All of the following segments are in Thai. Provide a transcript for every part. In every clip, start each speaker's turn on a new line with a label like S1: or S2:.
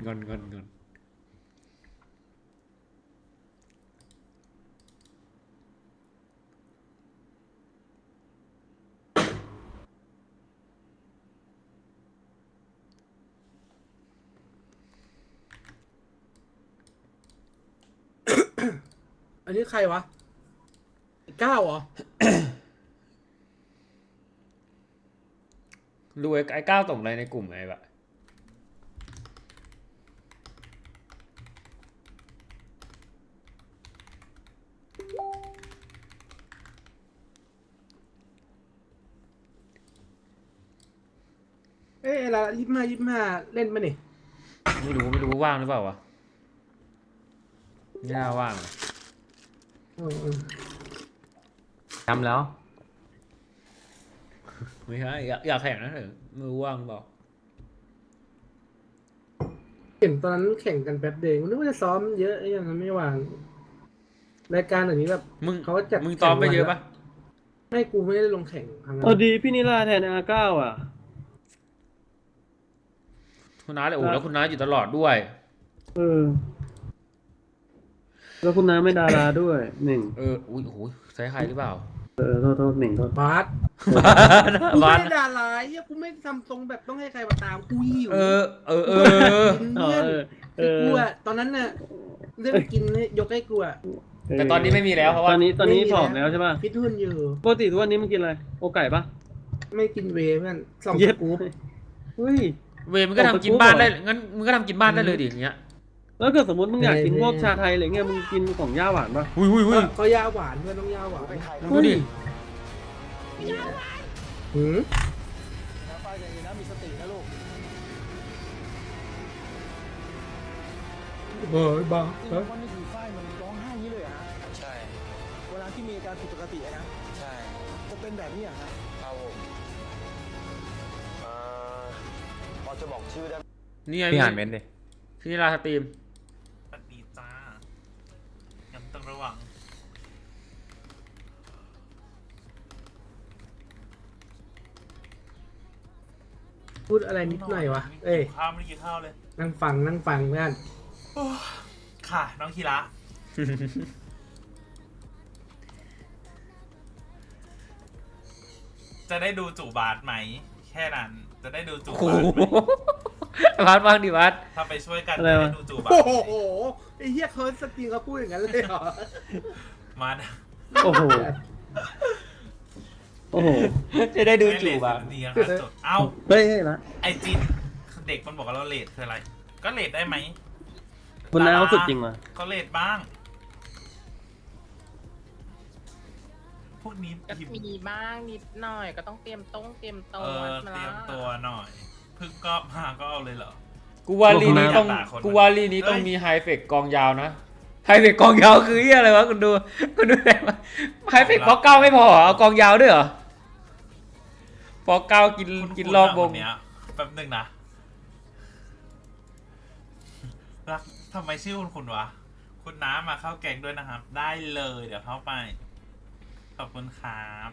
S1: งอน
S2: อันนี้ใครวะก้าวเหรอ
S1: ดูไอ้ก้าวส่งอะไรในกลุ่มไอ้แบบ
S2: เอ้ยอะไร25เล่นมาเนี่ย
S1: ไม่รู้ว่างหรือเปล่าวะไม่น่าว่าง
S3: ทำแล้ว
S1: ไม่ใช่อยากแข่งนะเถอะไม่รู้ว่างเปล่า
S2: เห็นตอนนั้นแข่งกันแป๊บเดียวนึกว่าจะซ้อมเยอะไอ้อย่างนั้นไม่วางรายการแบบนี้แบบ
S1: มึง
S2: เขาจัด
S1: มึงตอมไปเยอะปะ
S2: ไม่กูไม่ได้ลงแข่งครั้งนั้
S4: เอา
S2: น
S4: ดีพี่นิลาแทนอาเก้าอ่ะ
S1: คุณน้าเลยโอ้แล้วคุณน้าอยู่ตลอดด้วย
S4: เออ แล้วคุณน้าไม่ดาราด้วยหนึ่ง
S1: อุ้ยโอ้โหใช้ใครหรือเปล่า
S4: โทษหนึ่งโทษ
S2: บาสกู
S1: บ้า
S2: ไม่
S1: น
S2: ได้ด่าร้ายเฮียกูไม่ทำทรงแบบต้องให้ใครมาตามกูหิว
S1: เออ
S4: เออ
S2: เพื่อน
S4: เอ
S2: คือ
S4: อ
S2: กูอะตอนนั้นน่ะเรื่องกินเนี่ยยกให้กูอะ
S1: แต่ตอนนี้ไม่มีแล้วเพราะว่า
S4: ตอนนี้
S2: ไม่มี
S4: ผอมแล้วใช่ป่ะ
S2: ฟิตหุ่นอยู่
S4: ปกติทุกวันนี้มันกินอะไร โอไก่ปะ
S2: ไม่กินเวย์เพื่อนสอง
S4: เย็บ
S2: กู
S4: เฮ้ย
S1: เวรมันก็ทำกินบ้านได้งั้นมึงก็ทำกินบ้านได้เลยดิอย่างเงี้ย
S4: แล้วเกิดสมมติมึงอยากกินพวกชาไทยอะไรเงี้ยมึงกินของย่าหวานปะ
S1: อุ้ย
S2: ก็ยาหวานเพื่อนต้องยาหวาน
S1: มึงดูดิ
S2: หืม
S5: ฝ้ายใจเย็นนะมีสตินะลูก
S2: เฮ้ยบ้า
S5: จริง
S2: เฮ้ย
S5: วันนี้คือฝ้ายมันร้องไห้อย่างนี้เลยเหรอะฮะ
S6: ใช่
S5: เวลาที่มีอาการผิดปกติอะนะ
S6: ใช่
S5: จะเป็นแบบนี้อะฮะ
S6: ครับผมพอจะบอกชื่อได้ไหม
S1: นี่ไง
S3: พี่อ่านเม้นต์ดิ
S1: พี่นิลาสตรีม
S7: สวัสดีจ้ายังต้องระวัง
S2: พูดอะไรนิดหน่อยวะเอ้ย
S7: ข้าวไม่ได้กินข้าวเลย
S2: นั่งฟังเพื่อน
S7: ค่ะ น้องคีระจะได้ดูจู่บาสไหม แค่นั้น จะได้ดูจู่
S1: โอ้
S7: บาสไหม
S1: โห พัดบ้างดิพัด
S7: ถ้าไปช่วยกันจะได้ดูจู่บาส
S2: โอ้โหไอ้เหี้ยเคิร์สสตรีมเขาพูดอย่างนั้นเลยเหรอ
S7: มานะ
S4: โอ้โห โอ้โห
S1: จะได้ดูจู่บ้าง
S7: ดีนะครับจดเอ้า
S4: เฮ้ยละ
S7: ไอจินเด็กมันบอกว่าเราเลทคืออะไร ก็เลทได้ไหม
S4: คุณน้าเขาสุดจริงว่ะ
S7: ก็เลทบ้าง พวกนี้
S8: ก็
S7: พิมพ์
S8: มีบ้างนิดหน่อยก็ต้องเตรียมตัว
S7: เตรียมตัวหน่อยเพิ่งก็มาก็เอาเลยเหรอ
S1: กูว่าลีนี้ต้อง
S7: ด่าคน
S1: กูว่าลีนี้ต้องมีไฮเฟกกองยาวนะไฮเฟกกองยาวคือเหี้ยอะไรวะคุณดูอะไรวะไฮเฟกปอกเก้าไม่พอเหรอเอากองยาวด้วยเหรอปอกเก้ากินรอบวง
S7: เนี้ยแป๊บหนึงนะรักทำไมชื่อคุณวะ คุณน้ามาเข้าแกงด้วยนะครับ ได้เลยเดี๋ยวเข้าไป ขอบคุณครับ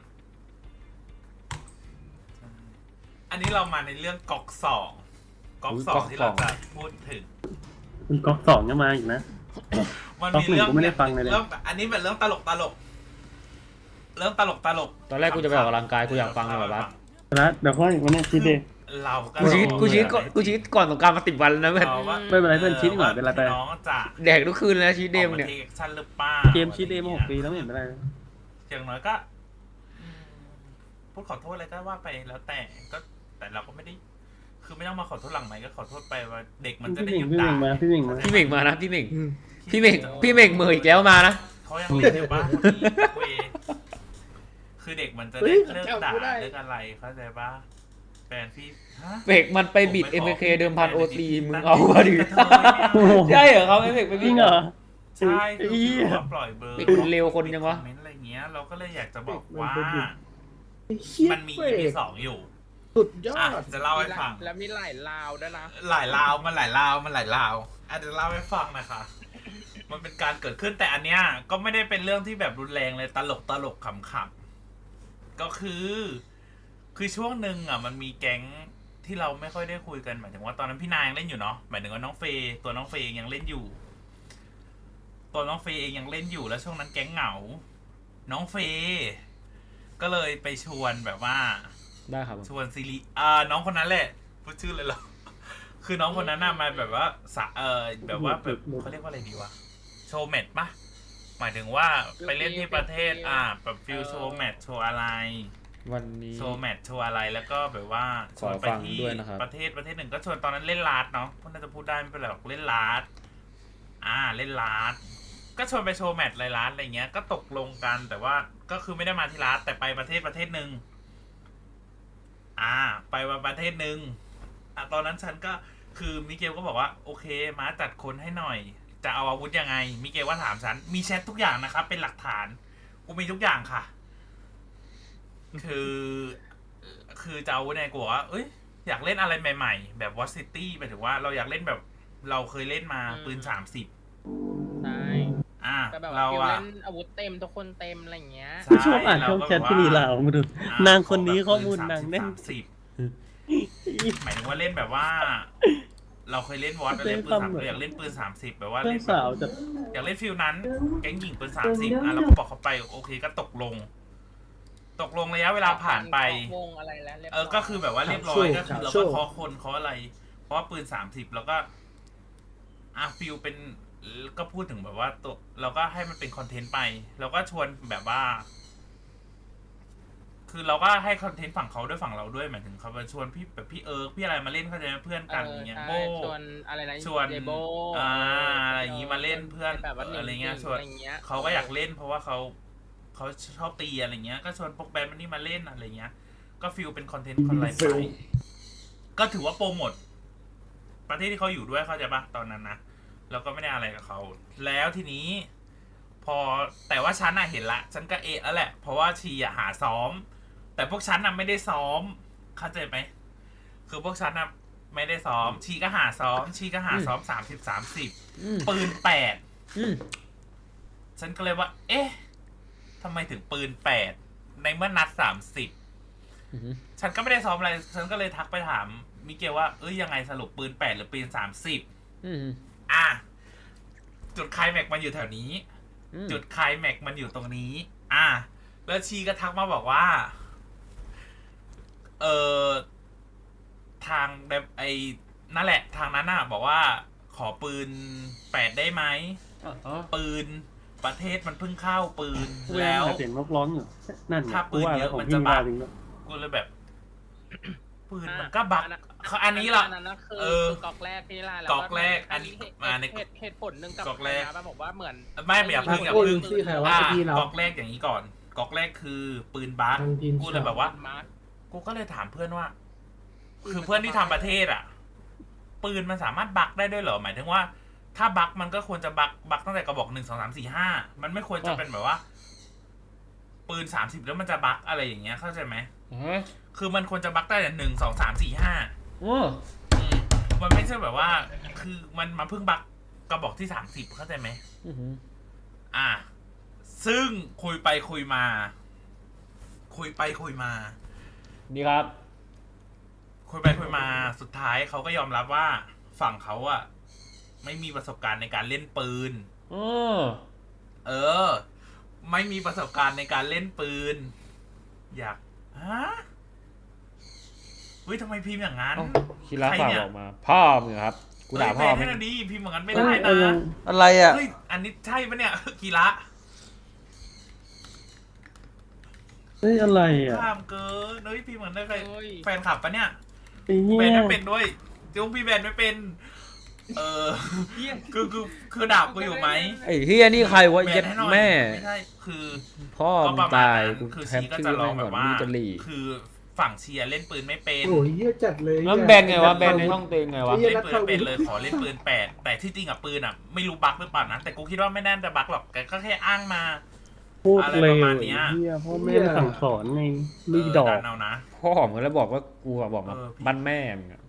S7: อันนี้เรามาในเรื่องก๊อกสองที่เราจะพูดถึง
S4: คุณก๊อกสองยังมาอีกนะ
S7: มันมีเรื่อง
S4: ก๊อกหนึ่งกูไม่ได้ฟังเลย
S7: เรื่องอันนี้เป็นเรื่องตลกเรื่องตลก
S1: ตอนแรกกูจะไปออกกำลังกายกูอยากฟังเลยแบบว่า
S4: แล้วเดี๋ยวค่อยวันนี้คิดเอง
S7: เราก็
S1: กูชีตก่อนสงกรารมา10 วันแล้วนะเพื่อน
S4: ไม่เป็นไรเพื่อนชี้ดีกว่าเป็นไรไป
S7: น้องจะ
S1: แดกทุกคืนเลยนะชีตเดย์มึงเนี่ย
S7: ออกา take action หรือเปล่า
S4: เกมชีดเดย์มา6 ปีแล้วไม่เห็นเป็นไร
S7: อย่างน้อยก็พูดขอโทษอะไรก็ว่าไปแล้วแต่เราก็ไม่ได้ คือไม่ต้องมาขอโทษหลังไหมค์ก็ขอโทษไปว่าเด็กมันจะ
S4: พี่
S7: ได้
S4: เหม่
S7: ห
S4: ง
S7: ยุด
S4: พี่เห
S7: ด่า
S4: ม่งมาพี่เหม่งมา
S1: พี่เม่งมานะพี่เม่ง
S2: อืม
S1: พี่เม่งมืออีกแล้วมานะ
S7: เขายังเล่นอยู่บ้านเวยคือเด็กมันจะได้เลิกด่าเลิกอะไรเข้าใจปะแฟนพี่ฮะ
S1: เฟกมันไปบิด MK เดิมพันโอตีมึงเอาวะดิใช่เหรอเขาเฟกไป
S4: จ
S1: บิ
S4: ริ
S1: ด
S4: งเหรอ
S7: ใช่
S4: ไอ้
S7: คือ
S4: เหี้ย
S7: ว่าปล่อยเบอร์
S1: เด็กมันเร็วคนยังวะ
S7: คอมเมนต์อะไรเงี้ยเราก็เลยอยากจะบอกว่า
S2: ไอ้เหี้ย
S7: มันมี
S2: เว้ย
S7: EP 2อยู่
S2: สุดยอ
S7: อ่ะ
S2: ด
S7: จะเล่าให้ฟัง
S8: แล้วมีหลายลาวด้วยนะ
S7: หลายราวมันหลายราวอ่ะเดี๋ยวเล่าให้ฟังนะคะ มันเป็นการเกิดขึ้นแต่อันเนี้ยก็ไม่ได้เป็นเรื่องที่แบบรุนแรงเลยตลกขำๆก็คือช่วงหนึ่งอ่ะมันมีแก๊งที่เราไม่ค่อยได้คุยกันหมายถึงว่าตอนนั้นพี่นายยังเล่นอยู่เนาะหมายถึงว่าน้องเฟย์ตัวน้องเฟย์ยังเล่นอยู่ ตัวน้องเฟย์เองยังเล่นอยู่แล้วช่วงนั้นแก๊งเหงา น้องเฟย์ก็เลยไปชวนแบบว่า
S1: ได้ครับผม
S7: ชวนซีรีน้องคนนั้นแหละพูดชื่อเลยเหรอ คือน้องคนนั้นน่ะมาแบบว่าแบบว่าแบบเขาเรียกว่าอะไรดีวะโชว์แมตช์ปะหมายถึงว่าไปเล่นที่ประเทศแบบฟิลโชว์แมตช์โชว์อะไร
S1: วันนี้
S7: โชว์แมตช์โชว์อะไรแล้วก็แบบว่าชวนไปที่
S1: ขอฟังด้วยนะครับ
S7: ประเทศหนึ่งก็ชวนตอนนั้นเล่นลาดเนาะพวกน่าจะพูดได้ไม่เป็นไรหรอกเล่นลาดเล่นลาดก็ชวนไปโชว์แมตช์ไรลาดอะไรเงี้ยก็ตกลงกันแต่ว่าก็คือไม่ได้มาที่ลาดแต่ไปประเทศหนึ่งไปประเทศหนึ่งตอนนั้นฉันก็คือมิเกลก็บอกว่าโอเคมาจัดคนให้หน่อยจะเอาอาวุธยังไงมิเกลว่าถามฉันมีแชททุกอย่างนะครับเป็นหลักฐานกูมีทุกอย่างค่ะ คือจะเอาเนี่ยกูบอกว่าเอ้ยอยากเล่นอะไรใหม่ๆแบบวอตซิตี้หมายถึงว่าเราอยากเล่นแบบเราเคยเล่นมาปืน30
S8: ใช่ แต่แบบว่า
S7: เรา
S8: ฟิล
S7: อะ
S8: เล่นอาวุธเต็มทุกคนเต็มอะไรอย่างเงี้ย
S7: ใช่
S4: ชอบอ่านช่องแชทพี่ลีลาวมาดู นางคนนี้ข้อมูลนางแน่น
S7: 30หมายถึงว่าเล่นแบบว่า เราเคยเล่นวอตเล่นปืน30เราอยากเล่นปืน30แบบว่า
S4: เพื่อ
S7: เล่
S4: น
S7: นแบ
S4: สาว
S7: บ
S4: จะ
S7: อยากเล่นฟิลนั้นแก๊งหญิงปืน30เราก็บอกเขาไปโอเคก็ตกลงระยะเวลาผ่านไป
S8: วงอะไรแล้วเรียบร้อย
S7: ก็คือแบบว่าเรียบร้อยก็คือเราก็เคาะคนเคาะอะไร เพราะว่าปืน30แล้วก็ฟิลเป็นก็พูดถึงแบบว่าตัวเราก็ให้มันเป็นคอนเทนต์ไปเราก็ชวนแบบว่า คือเราก็ให้คอนเทนต์ฝั่งเขาด้วยฝั่งเราด้วยหมายถึงเขามาชวนพี่แบบพี่พี่อะไรมาเล่นเขาจะเพื่อนกันอย่างเงี้ย
S8: ใช่
S7: โบ
S8: ชวนอะไรนะ
S7: ชวน
S8: เดโบ
S7: อะไรอย่างงี้มาเล่นเพื่อน
S8: แบบว่า
S7: อะไรเงี้ยชวน
S8: อะไรเงี้ย
S7: เขาก็อยากเล่น เพราะว่าเขาชอบตีอะไรเงี้ยก็ชวนพวกแบนด์มันนี่มาเล่นอะไรเงี้ยก็ฟิลเป็นคอนเทนต์คอนไลน์ไปก็ถือว่าโปรโมทประเทศที่เขาอยู่ด้วยเข้าใจปะตอนนั้นนะเราก็ไม่ได้อะไรกับเขาแล้วทีนี้ พอแต่ว่าฉันเห็นละฉันก็แล้วแหละเพราะว่าชีหาซ้อมแต่พวกฉันไม่ได้ซ้อมเข้าใจไหมคือพวกฉันไม่ได้ซ้อมชีก็หาซ้อม30 ปืน8ฉันก็เลยว่าเอ๊ะทำไมถึงปืน8ในเมื่อนัด30ฉันก็ไม่ได้ซ้อมอะไรฉันก็เลยทักไปถามมิเกลว่ายังไงสรุปปืน8หรือปืน30จุดไคลแม็กมันอยู่แถวนี้จุดไคลแม็กมันอยู่ตรงนี้แล้วชีก็ทักมาบอกว่าทางนั่นแหละทางนั้นบอกว่าขอปืน8ได้ไหมปืนประเทศมันเพิ่งเข้าปืนแล้ว
S4: เสียงนกร้องอยู่นั่น
S7: ถ้าปืนเยอะมันจะบักกูเลยแบบปืนมันก็บักอันนี้ล่ะ
S8: อันนั้นคือก๊อกแรกที่ล่าแล้ว
S7: ก๊อกแรกอันนี้มาใน
S8: เหตุผลหนึ่งกับ
S7: ก๊อกแรก
S8: นะบอกว่าเหมือน
S7: ไม่อย่าพึ่ง
S2: ที่ใครว่าพี่เรา
S7: ก๊อกแรกอย่างนี้ก่อนก๊อกแรกคือปืนบัก
S2: ทางทีม
S7: กูเลยแบบว่า
S8: มาร์ค
S7: กูก็เลยถามเพื่อนว่า คือเพื่อนที่ทำประเทศปืนมันสามารถบักได้ด้วยเหรอหมายถึงว่า ถ้าบักมันก็ควรจะบักตั้งแต่กระบอก1 2 3 4 5มันไม่ควรจะเป็นแบบว่า ปืน30แล้วมันจะบักอะไรอย่างเงี้ยเข้าใจไหมคือมันควรจะบักได้แต่1 2 3 4 5มันไม่ใช่แบบว่า คือมันมาเพิ่งบักกระบอกที่30เข้าใจไหมซึ่งคุยไปคุยมา
S1: นี่ครับ
S7: คุยไปคุยมาสุดท้ายเขาก็ยอมรับว่าฝั่งเขาไม่มีประสบการณ์ในการเล่นปืนไม่มีประสบการณ์ในการเล่นปืนอยากทำไมพิมพ์อย่างนั้น
S1: คิระฝากบอกมาพ่อมึงครับกูด่าพ่อ
S7: ไม่
S1: มึง
S7: ได้ดีพิมพ์อย่างนั้นไม่ได้นะ
S3: อะไรอ่ะ
S7: เฮ้ยอันนี้ใช่ปะเนี่ยกีระ
S4: อะไรอ่ะ
S7: ข้ามเกินพิมพ์เหมือนได้ใคร
S8: เฮ้ย
S7: แฟนคลับปะเนี่ย
S4: ไอ้เหี้
S7: แบ
S4: ย
S7: นไม่เป็นด้วยจุ้งพี่แบนไม่เป็นคือด่ากูอยู่ไหม
S1: ไอ้เฮียนี่ใครวะ
S7: แบ
S1: เย็
S7: น
S1: ด
S7: ให้หน่อย
S1: แม่
S7: ไม่ใช่คือ
S1: พ่อ
S7: ก็
S1: มึ
S7: ป
S1: ง
S7: ระมาณ
S1: ตาย
S7: นั้น
S1: กู
S7: คือ
S1: แท
S7: ชี
S1: บ
S7: ก็
S1: ชื่
S7: จะ
S1: อ
S7: ร้อ
S1: แม่
S7: ง
S1: ง
S7: แบ
S1: ก่อน
S7: บว่า
S1: นี่จะหลี
S7: คือฝั่งเชียร์เล่นปืนไม่เป็น
S2: โอ้ยเหี้ยจัดเลย
S1: แล้วแบนไงวะแบนในช่องเต็งไงวะ
S2: เหี้ย
S7: เล่นปืนไม่เป็นเลยขอเล่นปืน8แต่ที่จริงปืนไม่รู้บั๊กหรือเปล่านะแต่กูคิดว่าไม่แน่าจะบั๊กหรอกแกก็แค่อ้างมา
S4: พูด
S7: อะไร
S4: เล
S7: ป
S4: ย
S7: ระมาณเนี้ย
S4: เหี้ยพ่อแม่ไม่สั่งสอนไงลูกดอก
S7: ดันเอานะ
S1: พ่อมึงแล้วบอกว่ากูบอกมาบ้านแม่มึงอะ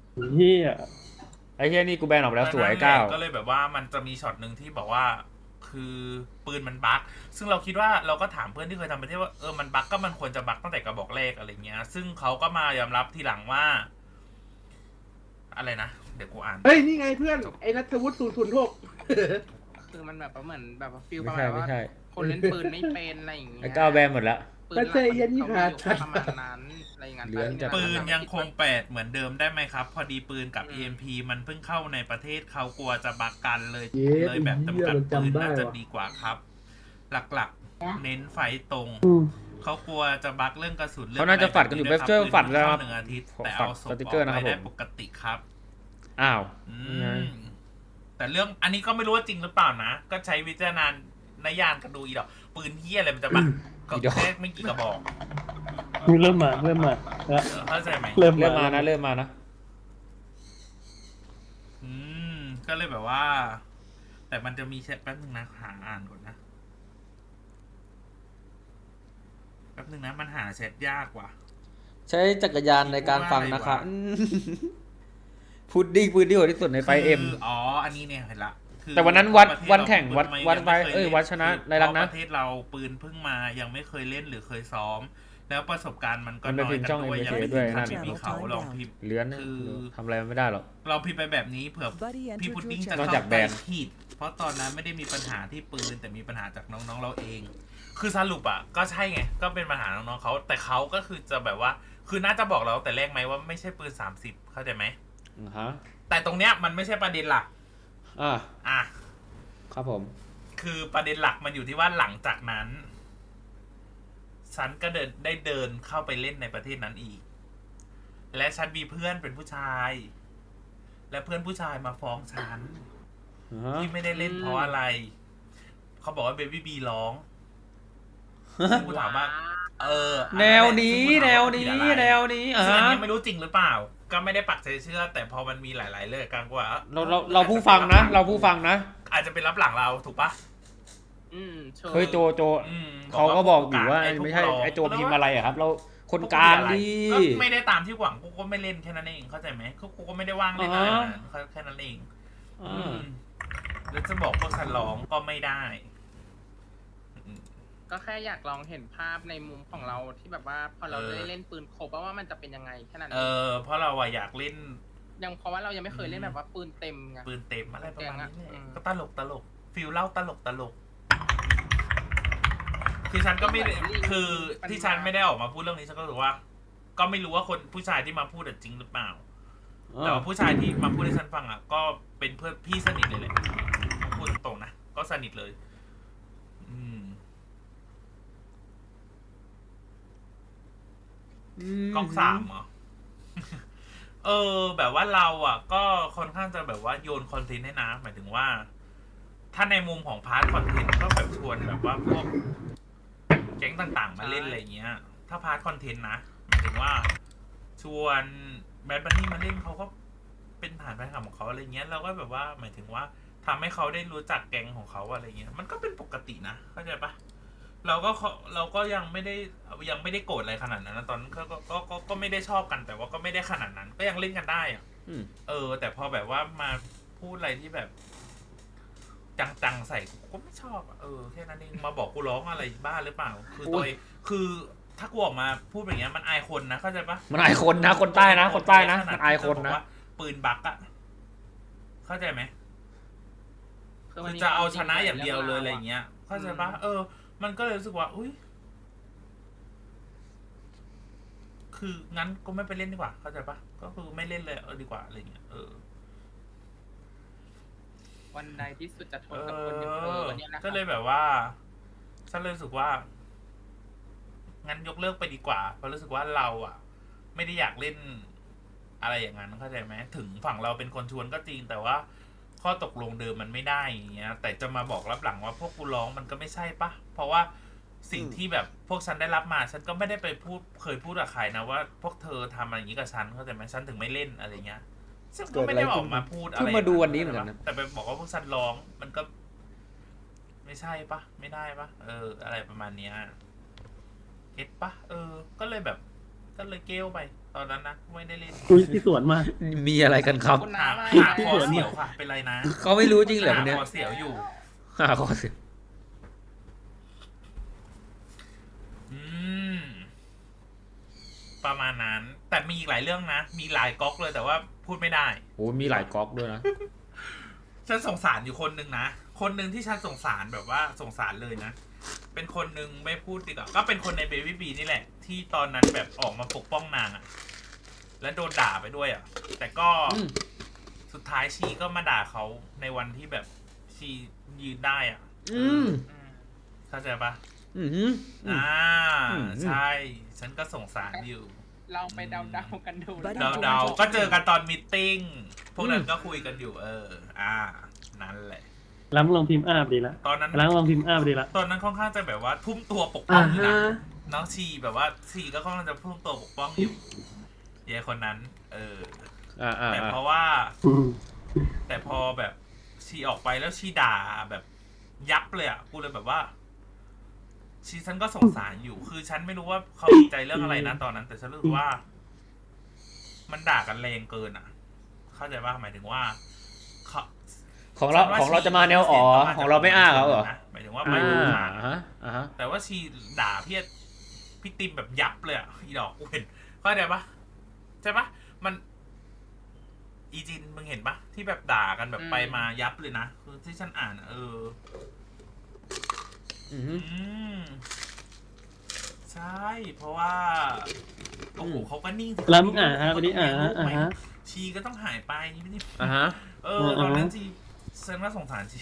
S4: เหี้ย
S1: ไอ้เฮียนี่กูแบนออกไปแล้วสวยก้าว
S7: ก็เลยแบบว่ามันจะมีช็อตหนึ่งที่บอกว่า คคือปืนมันบั๊กซึ่งเราคิดว่าเราก็ถามเพื่อนที่เคยทำประเทศว่ามันบั๊กก็มันควรจะบั๊กตั้งแต่กระบอกแรกอะไรเงี้ย ซึ่งเขาก็มายอมรับทีหลังว่า อะไรนะเดี๋ยวกูอ่าน
S2: เฮ้ย นี่ไงเพื่อน ไอ้นัทวุฒิ006
S8: คือมันแบบว่าเหมือนแบบว่าฟิลป
S1: ไม่
S8: ระ
S1: ใช่
S8: มาณ
S1: ไม่
S8: ว่า
S1: ใช่
S8: คนเล่นปืนไม่เป็นอะไรอย่างเงี้ย
S1: ไอ้ก้าวแบนหมดละ
S8: ปืนหลัก
S2: ไม่ใช่ยันยี่ห้า
S8: เขามีอยู่ประมาณนั้นอะไรอย่างเงี้ย
S1: เหลือจาก
S7: ปืนยังคง8เหมือนเดิมได้ไหมครับ พอดีปืนกับ EMP มันเพิ่งเข้าในประเทศเขากลัวจะบักกันเลย
S2: เย้
S7: เลยแบบจำกัด
S2: มัน
S7: ปืน
S2: จำได้
S7: น่าจะ
S2: ว่ะ
S7: ดีกว่าครับ หลักๆ เน้นไฟตรง เขากลัวจะบักเรื่องกระสุน
S1: เขาน่าจะฝัดกันอยู่
S7: เรื่
S1: ช่วยฝัด
S7: ปื
S1: แล้ว
S7: น
S1: ครับ
S7: เข้า1 อาทิตย์
S1: ขอ
S7: แต่
S1: ฝัด
S7: เอาศพ
S1: ส
S7: อ
S1: ติ๊
S7: อก
S1: เกอร์นะครับ
S7: ไปได้
S1: ผม
S7: ปกติครับ
S1: อ้าว
S7: อื
S1: ไง
S7: มแต่เรื่องอันนี้ก็ไม่รู้ว่าจริงหรือเปล่านะ ก็ใช้วิจารณญาณกันดูอีดอกปืนเฮียอะไรมันจะบักก็
S1: อีดอก
S7: แค่ไม่กี่กระบอก
S4: เริ่มมาแล้ว
S7: เข้าใจไหม
S4: เริ่ม
S1: เริ่มมานะเริ่มมานะ
S7: ก็เลยแบบว่า แต่มันจะมีแชทแป๊บนึงนะหาอ่านก่อนนะแป๊บนึงนะมันหาแชทยากว่ะ
S1: ใช้จักรยานในการฟังนะครับพุดดิ้งปืนที่โหดที่สุดในไฟเอ็ม
S7: คืออ๋ออันนี้เนี่ยเห็นละคือ
S1: แต่วันนั้นวัด
S7: ประเทศ
S1: วันแข่ง
S7: เรา
S1: วัด
S7: ปืน
S1: วัด
S7: ยัง
S1: ไป
S7: ม่คย
S1: วัดชนะ
S7: คือ
S1: ในรังนะ
S7: เพาประเทศเราปืนเพิ่งมายังไม่เคยเล่นหรือเคยซ้อม แล้วประสบการณ์มันก็
S1: มันเป็น
S7: น้อย
S1: พิมพ์
S7: กั
S1: ช่อง
S7: นด้วย
S1: MBK
S7: ยังไม่
S1: ด้วย
S7: ถึง
S1: นั่
S7: ขั้น
S1: น
S7: ที่มีเขาลองพิมพ์
S1: เลื้อน
S7: คือ
S1: ทำอะไรมันไม่ได้หรอก
S7: เราพิมพ์ไปแบบนี้เผื่อ
S9: Buddy
S7: พี่
S9: entered
S7: พุด
S9: your
S7: ดิ้งจะ
S1: นอก
S7: เข้า
S1: จากแบ
S7: ใจ
S1: น
S7: ผิดเพราะตอนนั้นไม่ได้มีปัญหาที่ปืนแต่มีปัญหาจากน้องๆเราเอง คือสรุปอ่ะก็ใช่ไงก็เป็นปัญหาน้องๆเขาแต่เขาก็คือจะแบบว่าคือน่าจะบอกเราแต่แรกไหมว่าไม่ใช่ปืน30เข้าใจไหม
S1: ฮะ
S7: แต่ตรงเนี้ยมันไม่ใช่ประเด็นหลัก อ่ะ
S1: ครับผม
S7: คือประเด็นหลักมันอยู่ที่ว่าหลังจากนั้นฉันก็เดินเข้าไปเล่นในประเทศนั้นอีก และฉันมีเพื่อนเป็นผู้ชาย และเพื่อนผู้ชายมาฟ้องฉันที่ไม่ได้เล่นเพราะอะไร เขาบอกว่าเบบี้บีร้องซึ่งกูถามว่า
S1: แนวนี้แนวนี้แนวนี้
S7: ซึ่งอันนี้ไม่รู้จริงหรือเปล่า ก็ไม่ได้ปักใจเชื่อ แต่พอมันมีหลายๆเรื่องกันว่า
S1: เราผู้ฟังนะ เราผู้ฟังนะ
S7: อาจจะเป็นรับหลังเราถูกปะ
S8: เชิญ
S1: เฮ้ยโจ
S7: อืม
S1: เขาก็บอกอยู่ว่า
S7: พวก
S1: ไม่ใช่
S7: เรา
S1: ไอโจพิมพ์อะไรอะครับ เราคนกลางดี
S7: ก็ไม่ได้ตามที่หวังกูก็ไม่เล่นแค่นั้นเองเข้าใจไหมกูก็ไม่ได้ว่างเล่นนานแค่นั้นเองแล้วจะบอกพวกฉันร้องก็ไม่ได้
S8: ก็แค่อยากลองเห็นภาพในมุมของเราที่แบบว่าพอเราได้เล่นปืนครบว่ามันจะเป็นยังไงแค่นั้นเอง
S7: เพราะเราอะอยากเล่น
S8: ยังเพราะว่าเรายังไม่เคยเล่นแบบว่าปืนเต็มไง
S7: ปืนเต็มอะไรประมาณนี้แห
S8: อื
S7: ละ
S8: ม
S7: ก็ตลกฟิลเล่าตลกคือฉันก็ไม่ได้คือที่ฉันไม่ได้ออกมาพูดเรื่องนี้ฉันก็รู้สึกว่า ก็ไม่รู้ว่าคนผู้ชายที่มาพูดจริงหรือเปล่า แต่ว่าผู้ชายที่มาพูดให้ฉันฟังอ่ะก็เป็นเพื่อนพี่สนิทเลยแหละพูดตรงๆนะก็สนิทเลย ก๊อก3เหรอ แบบว่าเราอ่ะ ก็ค่อนข้างจะแบบว่าโยนคอนเทนต์ให้นะหมายถึงว่า ถ้าในมุมของพาร์ทคอนเทนต์ก็แบบชวนแบบว่าพวกแก๊งต่างๆมาเล่นอะไรเงี้ย ถ้าพาร์ทคอนเทนต์นะหมายถึงว่า ชวนแบดบันนี่มาเล่นเขาก็เป็นฐานแฟนคลับของเขาอะไรเงี้ยเราก็แบบว่าหมายถึงว่าทำให้เขาได้รู้จักแก๊งของเขาอะไรเงี้ยมันก็เป็นปกตินะเข้าใจปะเราก็ยังไม่ได้โกรธอะไรขนาดนั้นนะตอนนั้นก็ไม่ได้ชอบกันแต่ว่าก็ไม่ได้ขนาดนั้น ก็ยังเล่นกันได้อะแต่พอแบบว่ามาพูดอะไรที่แบบ จังๆใส่กูก็ไม่ชอบอ่ะแค่นั้นเองมาบอกกูร้องอะไรบ้าหรือเปล่า คือตัวคือถ้ากูออกมาพูดแบบนี้มันอายคนนะเข้าใจปะ
S1: มันอายคนนะคนใต้นะคนใต้นะมันอายคนนะ
S7: ปืนบักอะเข้าใจไหม
S8: คือ
S7: คือจะเอาชนะอย่างเดียวเลยอะไรเงี้ยเข้าใจปะมันก็เลยรู้สึกว่าอุ้ยคืองั้นก็ไม่ไปเล่นดีกว่าเข้าใจปะก็คือไม่เล่นเลยดีกว่าอะไรเงี้ย
S8: วันใดที่สุดจะทนกับคนอย่างวันนี้นะ
S7: ก็เลยแบบว่าฉันเลยรู้สึกว่างั้นยกเลิกไปดีกว่าเพราะรู้สึกว่าเราอ่ะ ไม่ได้อยากเล่นอะไรอย่างนั้นเข้าใจไหมถึงฝั่งเราเป็นคนชวนก็จริงแต่ว่าข้อตกลงเดิมมันไม่ได้อย่างเงี้ยแต่จะมาบอกรับหลังว่าพวกกูร้องมันก็ไม่ใช่ปะเพราะว่าสิ่งที่แบบพวกฉันได้รับมาฉันก็ไม่ได้ไปเคยพูดกับใครนะว่าพวกเธอทำอะไรอย่างนี้กับฉันเข้าใจไหมฉันถึงไม่เล่นอะไรเงี้ยซึ่งก็ไม่ได้ออกมาพูดอะไร
S1: เพิ่งมาดูวันนี้เหมือนกันนะ
S7: แต่ไปบอกว่าพวกฉันร้องมันก็ ไม่ใช่ปะไม่ได้ปะอะไรประมาณเนี้ยเก็ตปะก็เลยแบบก็เลยเกลไปตอนนั้นนะไม่ได้เล่น
S4: คุยที่สวนมา
S1: มีอะไรกันครับ
S8: คุณน้าไม่
S7: หาคอเสียวค่ะเป็นไรนะ
S1: เขาไม่รู้จริงเหรอคนเนี้ย
S7: หาคอเสียวอยู่
S1: หาคอเสีย
S7: ประมาณนั้น แต่มีอีกหลายเรื่องนะ มีหลายก๊อกเลยแต่ว่าพูดไม่ได้
S1: โอ้มีหลายก๊อกด้วยนะ
S7: ฉันสงสารอยู่คนหนึ่งนะ คนหนึ่งที่ฉันสงสารแบบว่าสงสารเลยนะ เป็นคนหนึ่งไม่พูดดีกว่าก็เป็นคนในเบบี้บีนี่แหละ ที่ตอนนั้นแบบออกมาปกป้องนางอะและโดนด่าไปด้วยอะแต่ก็สุดท้ายชีก็มาด่าเขาในวันที่แบบชียืนได้อะ
S1: อืม
S7: เข้าใจปะ
S1: อืม
S7: ใช่ ฉันก็สงสารอยู่
S8: ลองไปเดาๆกันดู
S7: เดาๆก็เจอกันตอนมีตติ้งพวกนั้นก็คุยกันอยู่ นั่นแหละ
S4: แล้วมึงลองพิมพ์อาบดีละ
S7: ตอนนั้น
S4: แล้วลองพิมพ์อาบดีละ
S7: ตอนนั้นค่อนข้างจะแบบว่าทุ่มตัวปกป้องอยู่นะ
S2: ฮะ
S7: น้องชีแบบว่าชีก็ค่อนข้างจะทุ่มตัวปกป้องอยู่เยคนนั้น แต่เพราะว่า แต่พอแบบชีออกไปแล้วชีด่าแบบยับเลยอ่ะกูเลยแบบว่าชีฉันก็สงสารอยู่ คือฉันไม่รู้ว่าเขาติดใจเรื่องอะไรนะตอนนั้น แต่ฉันรู้สึกว่า มันด่ากันแรงเกินอ่ะ เข้าใจว่าหมายถึงว่า
S1: ของเราจะมาแนวอ๋อของเราไม่อ้าเขาเหรอ
S7: หมายถึงว่าไม่รู้ทาง
S1: ฮะฮะ
S7: แต่ว่าชีด่าพี่ติมแบบยับเลยอ่ะอีดอกกูเห็นเข้าใจปะใช่ปะมันอีจินมึงเห็นปะที่แบบด่ากันแบบไปมายับเลยนะคือที่ฉันอ่านใช่ เพราะว่าโอ้โหเขาก็นิ่ง
S4: แล้วมึงวันนี้
S7: ชีก็ต้องหายไปไม่ได้
S1: ฮะ
S7: ตอนนั้นชีฉันว่าสงสารชี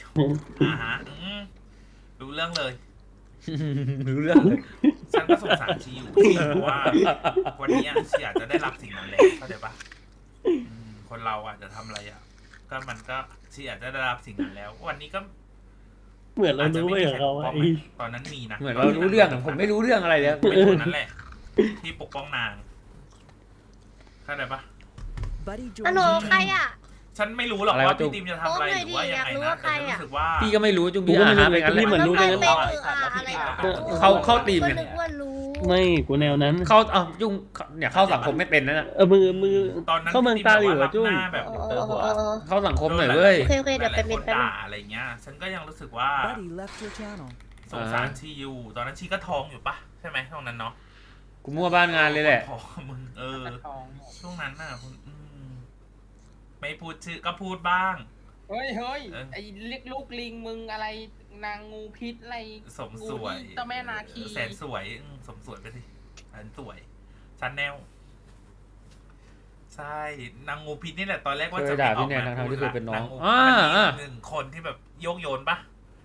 S7: รู้เรื่องเลย
S1: รู้เรื่องเลย
S7: ฉันก็สงสารชีอยู่เพราะว่าวันนี้ชีอาจจะได้รับสิ่งนั้นแล้วเข้าใจปะคนเราอาจจะทำอะไรอ่ะก็มันก็ชีอาจจะได้รับสิ่งนั้นแล้ว วันนี้ก็
S4: เหมือนเรารู้ไปกับเขาไอ้
S7: ตอนนั้นมีนะ
S1: เหมือนเรารู้เรื่องผมไม่รู้เรื่องอะไรเลย
S7: เป็นคนนั้นแหละ ที่ปกป้องนางเข้าใจปะ
S9: ฮัลโหลใครอ่ะ
S7: ฉันไม่รู้หรอกว่าพี่ติมจะทำอะไรหรือว่ายังไงนะแต่ฉันรู้สึกว่า
S1: พี่ก็ไม่รู้จุงพี่อาหาไปงั้นเลย
S4: เหมือนรู้ไปงั้น
S1: เข้าทีม
S9: ก็
S1: เนี่ย
S9: นึกว่ารู้
S4: ไม่กูแนวนั้น
S1: เข้ายุ่งเนี่ยเข้าสังคมไม่เป็นนั่นน่ะ
S4: มือ
S7: ตอนนั้น
S4: เข้าเมืองตาหลิวอะจุ้ง
S7: แบบ
S1: เข้าสังคมหน่อยเว้ย
S9: โอเคเดี๋ยวไปเป็นแป๊บนึง
S7: ด่าอะไรเงี้ย ฉันก็ยังรู้สึกว่าสงสารชีอยู่ ตอนนั้นชีก็ท้องอยู่ปะใช่ไหมตรงนั้นเนาะ
S1: กูมั่วบ้านงานเลยแหละ
S7: ท้องมึงช่วงนั้นน่ะคุณไม่พูดชื่อก็พูดบ้าง
S8: เฮ้ยไอ้เรียกลูกลิงมึงอะไรนางงูพิษอะไร
S7: สมสวย
S8: เจ้าแม่นาคี
S7: แสนสวยสมสวยไปสิแสนสวยชันแนลใช่นางงูพิษนี่แหละตอนแรกว่า
S1: เค
S7: จะ
S1: ยด่า
S7: ไม่อ
S1: พี่
S7: อก
S1: แนน
S7: มา
S1: ทั้งๆที่เคยเป็นน้อง
S7: างงูมันมีหนึ่งคนที่แบบโยกโยนปะ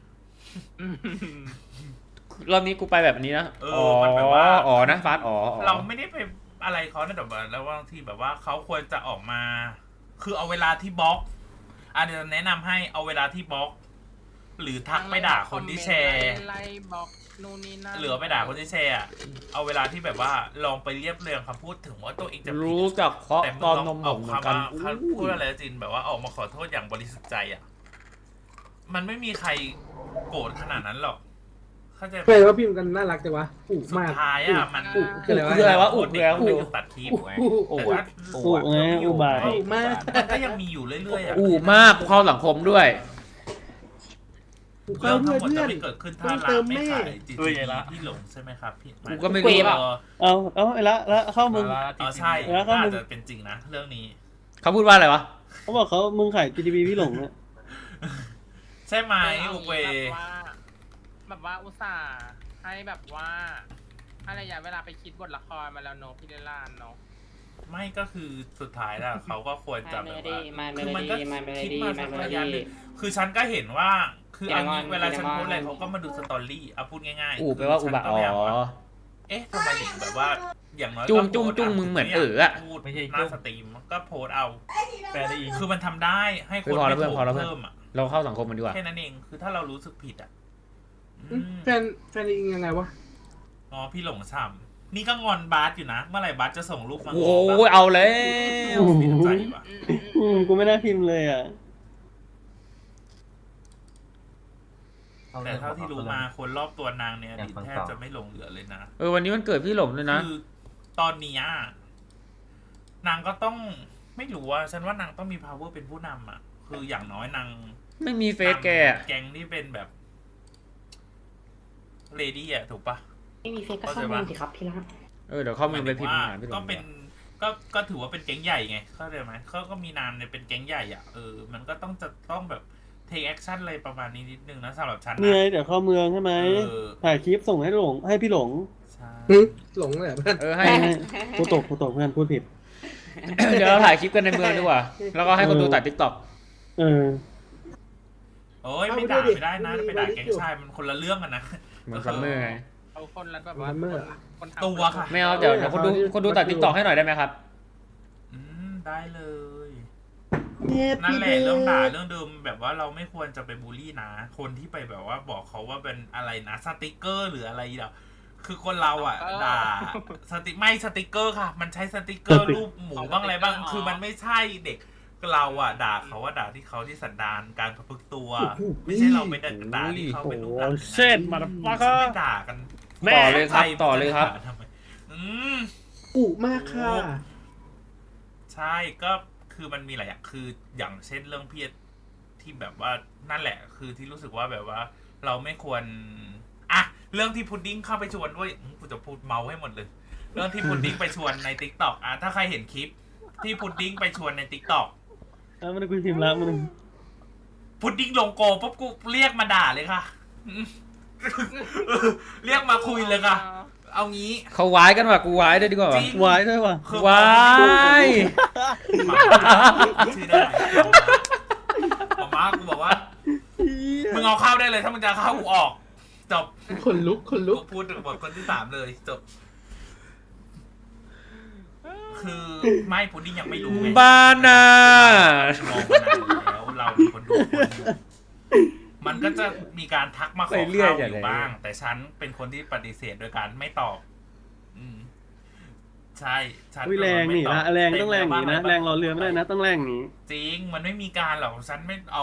S1: รอบนี้กูไปแบบนี้นะ
S7: มันแบบว่า
S1: อ๋อนะฟาส
S7: เราไม่ได้ไปอะไรเขานะแต่แบบแล้วบางทีแบบว่าเขาควรจะออกมา คือเอาเวลาที่บล็อกเดี๋ยวแนะนำให้เอาเวลาที่บล็อก หรือทักไปด่าคนที่แชร์
S8: ไล่บอกนู่นนี่นั่น
S7: หรือไปด่าคนที่แชร์เอาเวลาที่แบบว่าลองไปเรียบเรียงคำพูดถึงว่าตัวเองจะผิด
S1: รู้จักเคาะ
S7: แต่
S1: ตอนนมผ
S7: เอา
S1: มเหมือน
S7: คำ
S1: กัน
S7: ว่าพูดอะไรนะจินแบบว่าออกมาขอโทษอย่างบริสุทธิ์ใจอ่ะมันไม่มีใครโกรธขนาดนั้นหรอกเข้าใจ
S2: เฮ้ยว่าพิมพ์กันน่ารักจังวะอุ
S7: สุด
S2: มาก
S7: ท้ายอ่ะมัน
S2: คืออะไรวะ
S1: คืออะไรวะอุ
S7: เด็กไม่ถูกตัดคลิปไงแต่ว่า
S4: อุไงอุบาท
S2: อุมาก
S7: มันก็ยังมีอยู่เรื่อยๆอ่ะ
S1: มากเข้าสังคมด้วย
S7: เรื่องทั้งหมด
S2: เพื่
S7: จะ
S2: อน
S7: ไม่เกิดขึ้นถ้า
S2: ต้อง
S7: ร้า
S2: เติ
S7: น
S2: ม
S7: ไม่
S2: แม่
S7: ขายจีจีที่หลงใช่ไหมครับพี่
S1: กูก็ไม่รู้
S4: เอาไอ้ละเข้ามึง
S7: ใช่
S4: แล้วก็
S7: อา
S4: มึ
S7: จ
S4: ง
S7: จะเป็นจริงนะเรื่องนี้
S1: เขาพูดว่าอะไรวะ
S4: เขาบอกมึงขาย GTV พี่หลงเนี่ย
S7: ใช่ไหมอุเว
S8: แบบว่าอุตส่าห์ให้แบบว่าอะไรอย่างเวลาไปคิดบทละครมาแล้วเนอะพี่เดลานเนอะ
S7: ไม่ก็คือสุดท้ายแล้วเขาก็ควรจะแบบว่าคือมันก็คิดมาสักระยะหนึ่งคือฉันก็เห็นว่าคืออันนี้เวลาฉันพูดอะไรเขาก็มาดูสตอรี่เอาพูดง่ายๆ
S1: แปลว่าอุบะ
S7: ฉันก็
S1: อ๋
S7: พยายามว่า
S1: อ
S7: เอ๊ะทำไมถึงแบบว่าอย่างน้อย
S1: จุ้ง
S7: ก็
S1: จุ้ง
S7: โพสต์
S1: จุ้งมึงเหมือน
S7: ะ
S1: อะ
S7: พูดหน้าสตรีมก็โพสต์เอาคือมันทำได้ให้คน
S1: พอแล้ว
S7: ไม่
S1: เพื่อน
S7: โก
S1: พอ
S7: ร
S1: แล้ว
S7: ธ
S1: เพื่อน
S7: เพิ่มอ่ะ
S1: เราเข้าสังคมมันดีกว่า
S7: แค่นั้นเองคือถ้าเรารู้สึกผิดอ่ะอืม
S2: แฟนอิงยังไงวะ
S7: อ๋อพี่หลงฉ่ำนี่ก็งอนบาสอยู่นะ เมื่อไหร่บาสจะส่งรูปมา
S1: โอ้ยเอาแล้ว
S7: เสียใจว่ะ
S4: กูไม่ได้พิมพ์เลยอ่ะ
S7: แต่เท่าที่รู้มาคนรอบตัวนางเนี่ยอดีตแทบจะไม่หลงเหลือเลยนะ
S1: วันนี้มันเกิดพี่หลงเลยนะ
S7: คือตอนนี้นางก็ต้องไม่รู้ว่าฉันว่านางต้องมี power เป็นผู้นำอ่ะ คืออย่างน้อยนาง
S1: ไม่มีเฟซแก
S7: แก๊งที่เป็นแบบเลดี้อ่ะถูกปะ
S9: ไม่มีเฟซก็เข้ามาสิครับพี่รัก
S1: เดี๋ยวเข้ามือไปพิมพ์
S7: ห
S1: หาพี่หล
S7: ก็
S1: ง
S7: เป็นก็ถือว่าเป็นแก๊งใหญ่ไงเข้าใจไหมเขาก็มีนามเนี่ยเป็นแก๊งใหญ่อ่ะมันก็ต้องแบบ take action อะไรประมาณนี้นิดนึงนะสำหรับฉัน
S4: เนี่ย
S7: นะ
S4: เดี๋ยวเข้าเมืองใช่ไหม
S7: เออ
S4: ถ่ายคลิปส่งให้พี่หลง
S7: ใช่
S2: หึหลงเลยเหรอเพื่อน
S1: ให้
S4: กูตกเพื่อนพูดผิด
S1: เดี๋ยวเราถ่ายคลิปกันในเมืองดีกว่า แล้วก็ให้คนดูตัด TikTok
S4: เออ
S7: โอ้ยไม่ด่าไม่ได้นะไปด่าแก๊งชายมันคนละเรื่องกันนะ
S1: เหมือนซัมเมอร์ไง
S8: เอาคนละแบบว่าคนทำ
S7: ตัวค่ะ
S1: ไม่เอาเดี๋ยวคนดูตัด TikTok ให้หน่อยได้ไหมครับ
S7: ได้เลย นั่นแหละเรื่องด่าเรื่องเดิมแบบว่าเราไม่ควรจะไปบูลลี่นะคนที่ไปแบบว่าบอกเขาว่าเป็นอะไรนะสติกเกอร์หรืออะไรเดี๋ยวคือคนเราอ่ะด่าสติกเกอร์ค่ะ มันใช้สติกเกอร์รูปหมูบ้างอะไรบ้างคือมันไม่ใช่เด็กเราอ่ะด่าเขาว่าด่าที่เขาที่สันดานการประพฤติตัว ไม่ใช่เราไปด่าที่เขาเป็นรูปลักษณ์
S4: เช่นมาดฟัก
S7: ไม่ด่ากัน
S1: ต่อเลยครับต่อเลยครับ
S7: ทำไม
S2: อุมากค่ะ
S7: ใช่ก็คือมันมีหลายอย่างคืออย่างเช่นเรื่องพี่ที่แบบว่านั่นแหละ คือที่รู้สึกว่าแบบว่า เราไม่ควรอ่ะเรื่องที่พุดดิ้งเข้าไปชวนด้วยกูจะพูดเมาให้หมดเลย เรื่องที่พุดดิ้งไปชวนใน TikTok อ่ะถ้าใครเห็นคลิป ที่พุดดิ้งไปชวนใน TikTok
S4: มันคุยพิมพ์แล้วมัน
S7: พุดดิ้งลงโกปุ๊บกูเรียกมาด่าเลยค่ะ เรียกมาคุยเลยค่ะ เอางี้
S1: เขาวายกันว่ะกูวายได้ดีกว่า
S7: จริง
S4: วายด้วยว่ะ
S7: คือ
S1: วาย
S7: ชื่อได้หมอมากูบอกว่า มึงเอาเข้าได้เลยถ้ามึงจะเข้ากูออก จบ
S2: คนลุก
S7: กูพูดถึงบทคนที่3เลยจบ คือไม่พุดดิ้งยังไม่รู้ไง
S1: บ้านน่ะ
S7: มองมานานแล้วเราเป็นคนดูคนหนึ่งมันก็จะมีการทักมาขอเข้าอยู่บ้าง แต่ฉันเป็นคนที่ปฏิเสธโดยการไม่ตอบ ใช่ฉัน
S4: แรงนี่นะแรงต้องแรงนี่นะแรงรอเรือไม่ได้นะต้องแรงนี้
S7: จริงมันไม่มีการหรอกฉันไม่เอา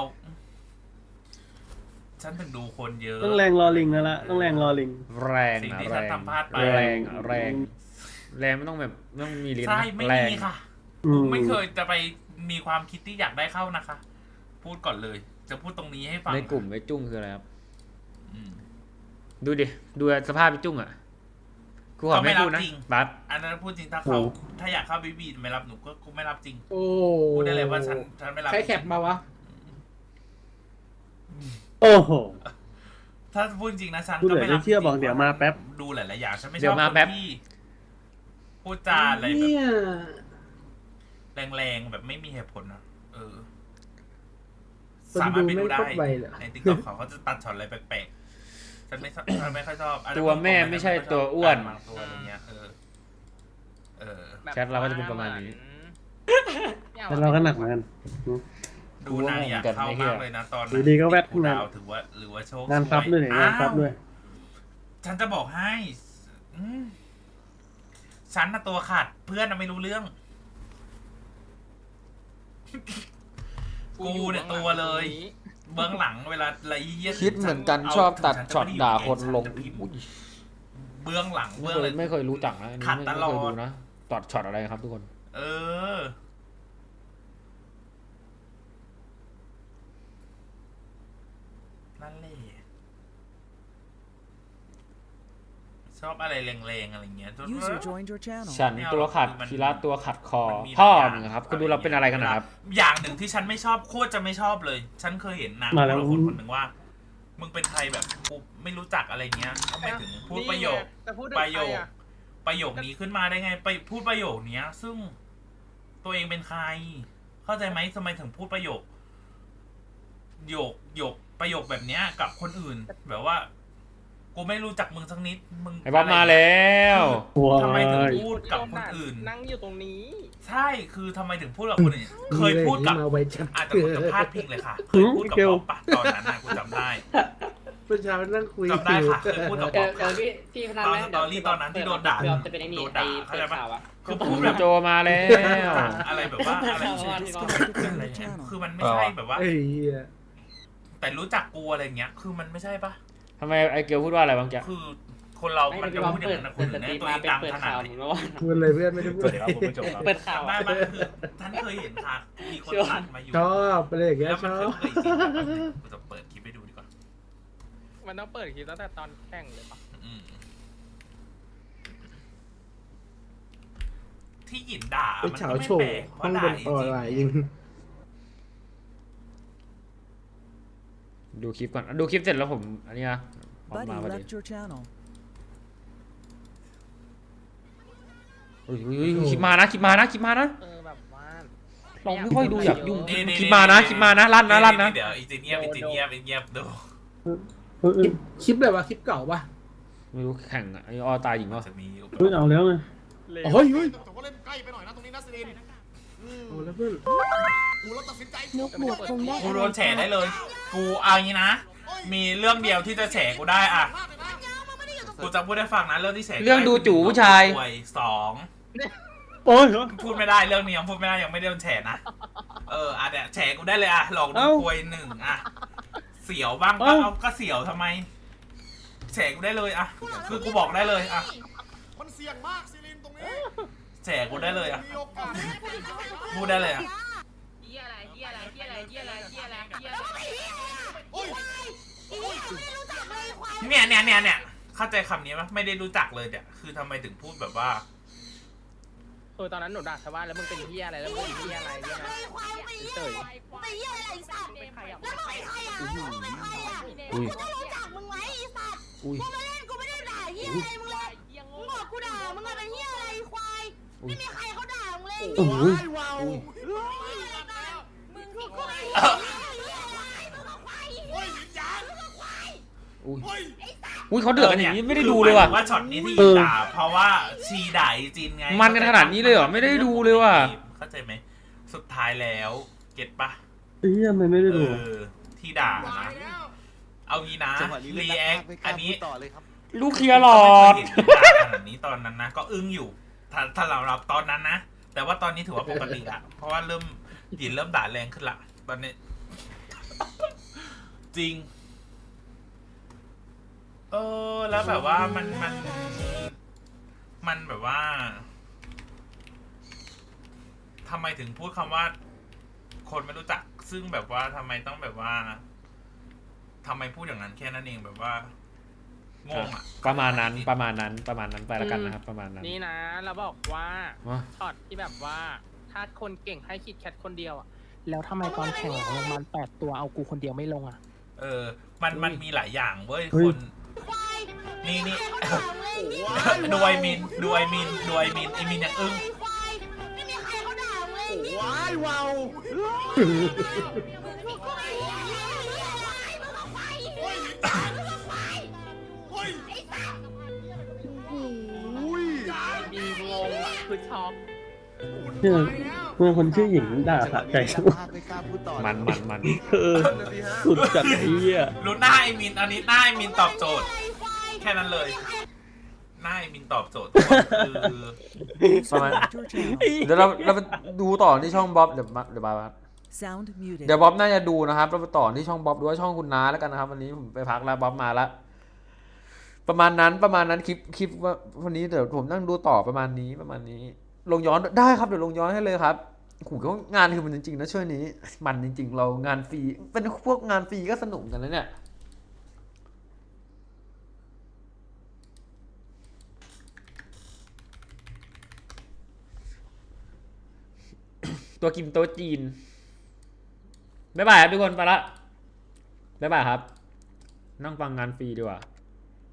S7: ฉันถึงดูคนเยอะ
S4: ต้องแรงรอลิงแล้วละต้องแรงรอลิง
S1: แรง
S7: สิ่ง
S1: นะ
S7: ที่
S1: แร
S7: ฉัน
S1: ง
S7: ทำพลาดไป
S1: แรงไม่ต้องแบบไม่ต้องมีลิ้น
S7: ใช่
S1: นะ
S7: ไม่
S1: แรง
S7: มีค่ะ
S4: อืม
S7: ไม่เคยจะไปมีความคิดที่อยากได้เข้านะคะ พูดก่อนเลย จะพูดตรงนี้ให้ฟัง
S1: ในกลุ่มไอ้จุ้งคืออะไรครับ
S7: อืม
S1: ดูดิดูสภาพไอ้จุ้งอ่ะกูขอไม่พูดนะบัส
S7: อันนั้นพูดจริงถ้าเขาถ้าอยากเข้าบีไม่รับหนูก็กูไม่รับจริง
S2: โอ้
S7: พูดได้เลยว่าฉันไม่รับ
S2: ใครแคปมาวะ
S4: โอ้โห
S7: ถ้าพูดจริงนะฉัน
S4: พูด
S7: ก็
S4: เลย
S7: ไม่รับ
S4: ไม่เชื่อบอกเดี๋ยวมาแป๊บ
S7: ดูหลายๆอย่างฉันไม่ช
S1: เดี๋ย
S7: อบ
S1: วมา
S7: คน
S1: แป๊บ
S7: ที่พูดจาอะไรแบบ
S2: เนี่ย
S7: แรงๆแบบไม่มีเหตุผลนะ
S2: คน
S7: สามารถไปดูได้
S2: ดูไม่ครบใบเหรอ
S7: ในติ๊กต็อกเขาจะตัดช็อตอะไรแปลกๆฉันไม่ค่อยชอบ
S1: ตัวแม่ไม่ใช่ตัวอ้วน
S7: บางตัวอะไรเงี้ย
S8: แบบ
S1: แชทเราก็จะเป็นประมาณนี้
S4: แต่เราก็หนักเหมือนกัน
S7: ดูนางอยากเข้ามากเลยนะตอน
S4: อยู่ดีก็แวดขึ้นมา
S7: ดาวถือว่าหรือว่าโชค
S4: งานซับด้วยเนี่ยงานซับด้วย
S7: ฉันจะบอกให้ฉันน่ะตัวขาดเพื่อนน่ะไม่รู้เรื่อง กูเนี่ยตัวเลย เบื้องหลังเวลาอะไรเยี่ย
S1: คิดเหมือนกันชอบตัดช็อตด่าคนลงอุ๊ย
S7: เบื้องหลังเบื้องอะไร
S1: ไม่เคยรู้จักนะอันนี้
S7: ขัด
S1: ไม่
S7: ต
S1: เค
S7: ลอด
S1: ยดูนะตัดช็อตอะไรครับทุกคน
S7: นั่นแหละชอบอะไรแรงๆอะไรเงี้ย
S5: User joined your channel
S1: ฉันตัวขัด
S7: มัน
S1: คีระตัวขัดคอ
S7: มันมี
S1: พ่อ
S7: หลายอย่าง
S1: มึงครับคุณดูเราเป็นอะไรกันนะครับ
S7: อย่างหนึ่งที่ฉันไม่ชอบโคตรจะไม่ชอบเลย ฉันเคยเห็นนาง
S4: มาแล้ว
S7: คนคนหนึ่งว่า มึงเป็นใครแบบกูไม่รู้จักอะไรเงี้ยทำไมถึงพูดประโยค
S8: จะพูดถึง
S7: ประโย
S8: ใคร
S7: ค
S8: อะ
S7: ประโยคนี้ขึ้นมาได้ไงไปพูดประโยคเนี้ย ซึ่งตัวเองเป็นใคร เข้าใจไหมทำไมถึงพูดประโยคประโยคแบบเนี้ยกับคนอื่น แบบว่า กูไม่รู้จักมึงสักนิดมึง
S1: ไอ้บ๊อบมาแล้ว
S7: ทำไมถึงพูดกับคนอื่น
S8: นั่งอยู่ตรงนี้
S7: ใช่คือทำไมถึงพูดกับคนอื่นเคยพูดกับ
S2: มาไว้จัด
S7: อาจจะกูจะพลาดพิงเลยค่ะเคยพูดกับบ๊อบปะตอนนั้นนะกูจำได้
S2: เมื่อเช้านั่งคุย
S7: จำได้ค่ะเคยพูดกับบ๊อบค่ะ
S10: พี่พนัน
S7: ตอน
S10: ไหม
S7: สตอรี่ตอนนั้นที่โดนด่า
S10: จะเป็นไอ้นี่
S7: โดน
S10: ไอ้
S7: ด่าเข้าใจปะ
S10: ข่าวอะ
S7: คือพูดแบบ
S1: โจมาแล้ว
S7: อะไรแบบว่าอะไร อะไรเงี้ยคือมันไม่ใช่แบบว่า
S2: เอ้ยเหี้ย
S7: แต่รู้จักกูอะไรเงี้ย คือมันไม่ใช่ปะ
S1: ทำไมไอเกลพูดว่าอะไรบางแก
S7: คือคนเรา
S10: ไม่
S7: มัน
S10: พี่
S7: จะ
S10: บอล
S7: พูดอย่าง
S10: เปิด
S7: นั้นนะคน
S10: เปิด
S7: อื่น
S10: สตรี
S7: เนี่ย
S10: ม
S7: ตัวเอง
S10: มาเป็น
S7: ดัง
S10: เปิด
S7: ขนา
S10: ข่า
S7: ด
S10: ว
S7: ไหน
S10: ผมก็ว่า
S2: พูดเลยเพื่อนไม่ได้พูด
S10: เปิดข่าว
S7: ได้
S10: อะ
S7: มันคือท่านเคยเห็นค่ะมีคนตัดมาอยู่
S2: ชอบอะไรอย่างเงี้ย
S7: แล้ว
S2: ช
S7: มัน
S2: อ
S7: เค
S2: บ
S7: ยจริงแบบกูจะเปิดคลิปให้ดูดีกว่า
S8: มันต้องเปิดคลิปตั้งแต่ตอนแข่งเลยปะ
S7: อืมที่หยินด่า
S2: ไป
S7: มัน
S2: เฉา
S7: ก็ไม่
S2: โฉ
S7: แปลก
S2: ห้อง
S7: ว่า
S2: บ
S7: ด่าน จ
S2: ออนไลน์ยิ
S7: ริ
S2: ง
S7: ง
S1: ดูคลิปก่อนดูคลิปเสร็จแล้วผมอันนี้นะผม
S10: Buddy
S1: มาพอดี
S10: left your channel.
S1: อุ้ยคลิปมานะคลิปมานะคลิปมานะ
S8: แบบว่า
S1: เราไม่ค่อยดูอยากยุ่ง
S7: ๆนี่
S1: คลิปมานะคลิปมานะลั่นนะลั่นนะ
S7: เดี๋ยวอีจีเงียบอีจีเงียบอีเงียบดู
S2: คลิปแบบว่าคลิปเก่าปะ
S1: ไม่รู้แข่งอะไอ้ออตายหญิงวะ
S7: จะมีอุปก
S4: เฮ้ย
S7: รณ์
S4: เอาแล้วไง
S2: อ๋อเฮ้ยเฮ้ย
S6: แต่ว่าเล่นใกล้ไปหน่อยนะตรงนี้นะซิลิน
S2: เอาแล้วเพื่อน
S6: กูเราตัดสินใจ
S9: นกบวกคงได้
S7: กูโดนแฉได้เลย กูเอางี้นะ มีเรื่องเดียวที่จะแฉกูได้อะกูจะพูดให้ฟังนะเรื่องที่แฉกูได้
S1: เรื่องดูจู่ผู้ชาย
S7: ป่วยสอง
S4: โอ้ย
S7: พูดไม่ได้เรื่องนี้ยังพูดไม่ได้ยังไม่ได้โดนแฉนะอ่ะเนี่ยแฉกูได้เลยอะหลอกโดนป่วยหนึ่งอะเสียวบ้างก็เอาก็เสียวทำไมแฉกูได้เลยอะคือกูบอกได้เลยอะ
S6: มันเสี่ยงมากซิลินตรงนี้
S7: แฉกูได้เลยอะ
S6: มีโอกาส
S7: พูดได้เลยอะ
S8: เหี้ยอะไรเหี้ยอะไรเหี้ยอะไรเหี้ยอะไรเหี้ยอะไรเหี้ยอะไร
S6: โอ้ย
S7: เนี่ยเข้าใจคำนี้ปะไม่ได้รู้จักเลยเนี่ยคือทำไมถึงพูดแบบว่า
S8: ตอนนั้นหนูด่าชาวบ้านแล้วมึงเป็นเหี้ยอะไรแล้วมึงเป็นเหี้ยอะไรเนี่ยนะเฉย
S9: ไปเหี้ยอะไรไอ้สัตว์
S8: เป็นใครอ่ะ
S9: แล้วมึงเป็นใครอ่ะมึงเป็นใครอ่ะ
S1: อุ้ย
S9: กูจะรู้จักมึงไหมไอ้สัตว์
S1: อุ้ย
S9: กูมาเล่นกูไม่ได้ด่าเหี้ยอะไรมึงเลยมึงบอกกูด่ามึงอะเป็นเหี้ยอะไรควายไม่มีใครเขาด่ามึงเลย
S2: โอ้ย
S6: ว้าว
S9: มึงที่กูไม่
S6: โอ้ยวิญญาณ
S1: อุ้ย
S6: โอ้ย
S1: อุ้ยเขาเดือดกันอย่างนี้ไม่ได้ดูเลยว่ะ
S7: ว่าช็อตนี้ที่ด่าเพราะว่าชีด่าไอ้จินไง
S1: มันกันขนาดนี้เลยเหรอไม่ได้ดูเลยว่ะ
S7: เข้าใจไหมสุดท้ายแล้วเก็ตปะ
S4: เฮียมันไม่ได้ดู
S7: ที่ด่า
S6: ตาย
S7: นะ
S6: แล้ว
S7: เอางี้นะรีแอคอันนี้
S1: ลูกเคลียร์หลอด
S7: ไม่เคยเห็นด่าขนาดนี้ตอนนั้นนะก็อึ้งอยู่ถ้าเราตอนนั้นนะแต่ว่าตอนนี้ถือว่าปกติละเพราะว่าหยินเริ่มด่าแรงขึ้นละตอนนี้ จริง แล้วแบบว่ามันแบบว่าทำไมถึงพูดคำว่า คนไม่รู้จักซึ่งแบบว่าทำไมต้องแบบว่าทำไมพูดอย่างนั้นแค่นั้นเองแบบว่างงอ่ะ
S1: ประมาณนั้นไปแล้วกันนะครับประมาณนั้น
S8: นี่นะเราบอกว่า
S1: ว้า
S8: ช็อตที่แบบว่าถ้าคนเก่งให้คิดแคทคนเดียวอ่ะแล้วทำไมตอนแข่งหลังลงมา8 ตัวเอากูคนเดียวไม่ลงอ่ะ
S7: มันมีหลายอย่างเว้ย
S4: เฮ้
S7: ค
S4: ย
S7: นนี่ดูไอมินไอมินยังอึ้ง
S9: ไม่มีใครเขาด่ามึงเลย
S6: ว้ายว้าว
S9: มึงกูไม่เหี้ยอะไรมึงเอาไป
S6: โอ้ยวิญญาณโอ้ย
S9: ไอ้สัตว์
S6: อุ้ย
S8: มีงงอ่ะคือช็อก
S4: เนี่ยเมื่อคนชื่อหญิงด่าสะใจ
S1: มัน
S4: สุดจัดไอ้เหี้ย
S7: รู้หน้าไอมินอันนี้หน้าไอมินตอบโจทย์ แค่นั้นเลย หน้าไอมินตอบโจทย์คือ
S1: ประมาณ
S10: Left your channel.
S1: เดี๋ยวเราไปดูต่อที่ช่องบ๊อบเดี๋ยวบ๊อบ
S10: Sound muted.
S1: เดี๋ยวบ๊อบน่าจะดูนะครับเราไปต่อที่ช่องบ๊อบดูว่าช่องคุณน้าแล้วกันนะครับวันนี้ผมไปพักแล้วบ๊อบมาแล้วประมาณนั้นคลิปว่าวันนี้เดี๋ยวผมนั่งดูต่อประมาณนี้ลงย้อนได้ครับเดี๋ยวลงย้อนให้เลยครับโอ้โหงานคือมันจริงๆนะช่วงนี้มันจริงๆเรางานฟรีเป็นพวกงานฟรีก็สนุกกันนะเนี่ยตัวกินโต๊ะจีนบ๊ายบายครับทุกคนไปละบ๊ายบายครับนั่งฟังงานฟรีดีกว่า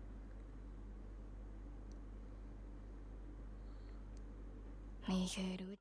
S1: ไม่เคยรู้